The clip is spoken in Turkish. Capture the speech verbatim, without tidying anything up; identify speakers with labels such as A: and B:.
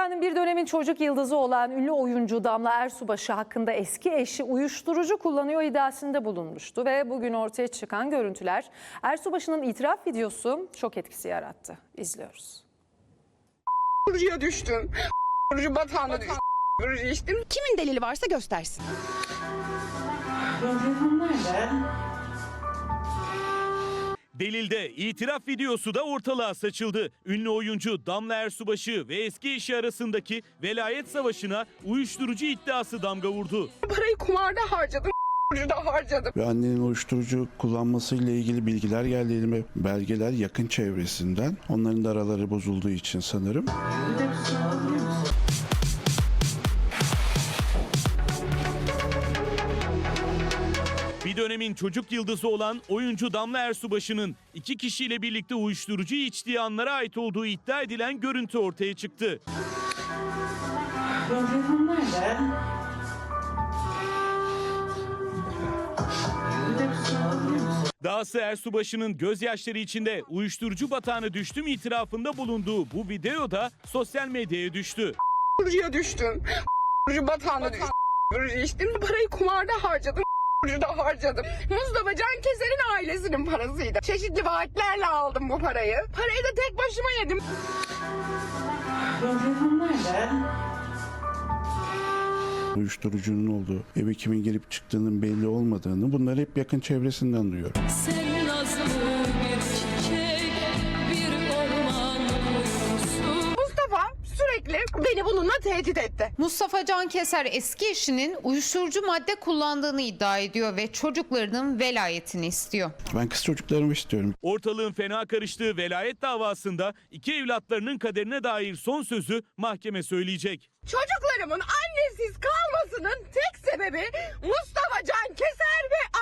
A: Dünyanın bir dönemin çocuk yıldızı olan ünlü oyuncu Damla Ersubaşı hakkında eski eşi uyuşturucu kullanıyor iddiasında bulunmuştu ve bugün ortaya çıkan görüntüler Ersubaşı'nın itiraf videosu şok etkisi yarattı. İzliyoruz.
B: Uyuşturucuya düştüm. Uyuşturucu batağına düştüm. Uyuşturucu içtim.
C: Kimin delili varsa göstersin.
D: Delilde itiraf videosu da ortalığa saçıldı. Ünlü oyuncu Damla Ersubaşı ve eski eşi arasındaki velayet savaşına uyuşturucu iddiası damga vurdu.
B: Parayı kumarda harcadım. Uyuşturucuda harcadım.
E: Ve annenin uyuşturucu kullanmasıyla ilgili bilgiler geldi elime, belgeler yakın çevresinden. Onların da araları bozulduğu için sanırım.
D: Bir dönemin çocuk yıldızı olan oyuncu Damla Ersubaşı'nın iki kişiyle birlikte uyuşturucu içtiği anlara ait olduğu iddia edilen görüntü ortaya çıktı. Dahası Ersubaşı'nın gözyaşları içinde uyuşturucu batağına düştüm itirafında bulunduğu bu video da sosyal medyaya düştü.
B: Uyuşturucuya düştüm. Uyuşturucu batağına düştüm. Uyuşturucu içtim. Parayı kumarda harcadım. Uyuşturucuda harcadım. Mustafa Can Keser'in ailesinin parasıydı. Çeşitli vaatlerle aldım bu parayı. Parayı da tek başıma yedim.
E: Uyuşturucunun olduğu, eve kimin girip çıktığının belli olmadığını, bunları hep yakın çevresinden duyuyorum.
F: Sen nazlı bir çiçek, bir orman kuyusu.
B: Mustafa sürekli beni bununla tehdit etti.
C: Mustafa Can Keser eski eşinin uyuşturucu madde kullandığını iddia ediyor ve çocuklarının velayetini istiyor.
E: Ben kız çocuklarımı istiyorum.
D: Ortalığın fena karıştığı velayet davasında iki evlatlarının kaderine dair son sözü mahkeme söyleyecek.
B: Çocuklarımın annesiz kalmasının tek sebebi Mustafa Can Keser ve